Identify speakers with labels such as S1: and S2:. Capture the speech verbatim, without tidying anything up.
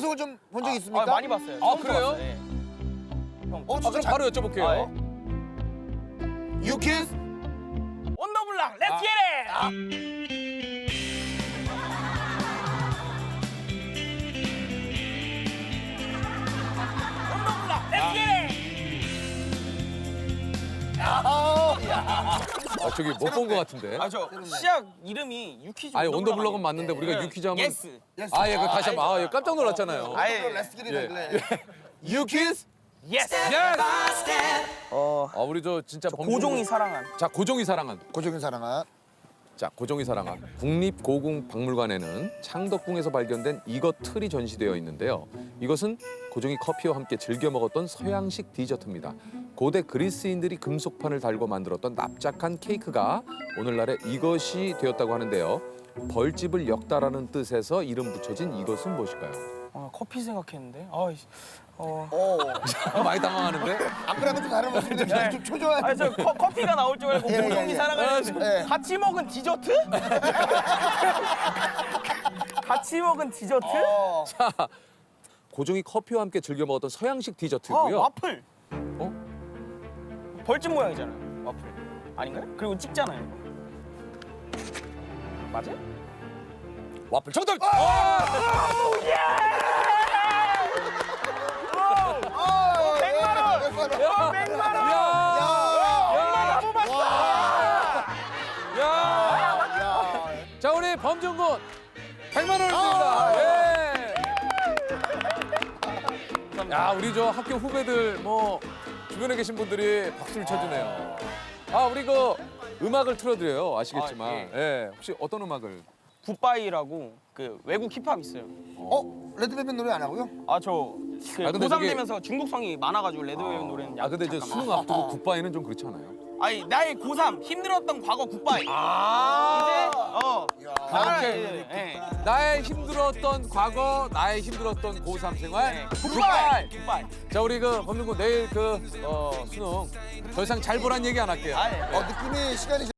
S1: 방송을 좀 본 적 있습니까?
S2: 아, 많이 봤어요.
S3: 아,
S2: 처음
S3: 그래요?
S2: 봤어요, 예. 형,
S1: 어,
S3: 아,
S1: 진짜
S3: 그럼
S1: 잘...
S3: 바로 여쭤볼게요.
S2: 아, 예.
S1: 유키스?
S2: 원더블락, 렛츠 겟 잇! 원더블락, 렛츠 겟 잇!
S3: 아, 저기 못 본 것 같은데.
S2: 아, 저 시작 이름이 유키즈
S3: 아니, 원더블럭은 맞는데 우리가
S2: 네.
S3: 유키즈 하면
S2: 예스.
S3: 아, 예, 그 다시 한번 아, 예, 깜짝 놀랐잖아요.
S2: 아예
S1: 렛츠 기릿
S3: 예.
S1: 할래.
S3: 유키즈?
S2: 예스.
S3: 예스!
S2: 어,
S3: 아, 우리 저 진짜 범준-
S2: 고종이 사랑한.
S3: 자, 고종이 사랑한.
S1: 고정인 사랑아.
S3: 자, 고종이 사랑한 국립고궁박물관에는 창덕궁에서 발견된 이것 틀이 전시되어 있는데요. 이것은 고종이 커피와 함께 즐겨 먹었던 서양식 디저트입니다. 고대 그리스인들이 금속판을 달고 만들었던 납작한 케이크가 오늘날의 이것이 되었다고 하는데요. 벌집을 엮다라는 뜻에서 이름 붙여진 이것은 무엇일까요?
S2: 아, 커피 생각했는데. 아, 어.
S1: 오.
S3: 많이 당황하는데?
S1: 아까랑은 좀 다른 모습인데 좀 초조해.
S2: 아니 저 커, 커피가 나올 줄 알고
S1: 예, 예,
S2: 고종이
S1: 예.
S2: 사랑하는
S1: 예.
S2: 같이 먹은 디저트? 같이 먹은 디저트?
S1: 어.
S3: 고종이 커피와 함께 즐겨 먹었던 서양식
S2: 아,
S3: 디저트고요.
S2: 와플.
S3: 어?
S2: 벌집 모양이잖아요. 와플. 아닌가요? 그리고 찍잖아요. 맞아요?
S3: 와플 정답!
S1: 아,
S2: 백만 원!
S1: 백만 원.
S2: 어, 백만 원!
S3: 야!
S2: 너무 봤어!
S3: 야!
S1: 야.
S3: 자, 우리 범준군 백만 원입니다. 예. 야, 우리 저 학교 후배들 뭐 주변에 계신 분들이 박수를 쳐주네요. 아, 우리 그 음악을 틀어드려요. 아시겠지만.
S2: 아,
S3: 예. 혹시 어떤 음악을?
S2: 굿바이라고 그 외국 힙합 있어요.
S1: 어? 레드벨벳 노래 안 하고요?
S2: 아, 저 그
S3: 아, 근데
S2: 고삼
S3: 저기-
S2: 되면서 중국성이 많아가지고 레드벨벳 노래는
S3: 아, 근데 이제
S2: 잠깐만.
S3: 수능 앞두고 굿바이는 좀 그렇지 않아요?
S2: 아니, 나의 고삼 힘들었던 과거 굿바이.
S3: 아.
S2: 이제 어. 나를
S3: 오케이.
S2: 이제, 예.
S3: 나의 힘들었던 과거, 나의 힘들었던 고삼 생활.
S2: 네.
S3: 굿바이.
S2: 굿바이.
S3: 자, 우리 그 범준군 내일 그 어, 수능 더 이상 잘 보란 얘기 안 할게요.
S2: 아, 예.
S1: 어, 느낌이 시간이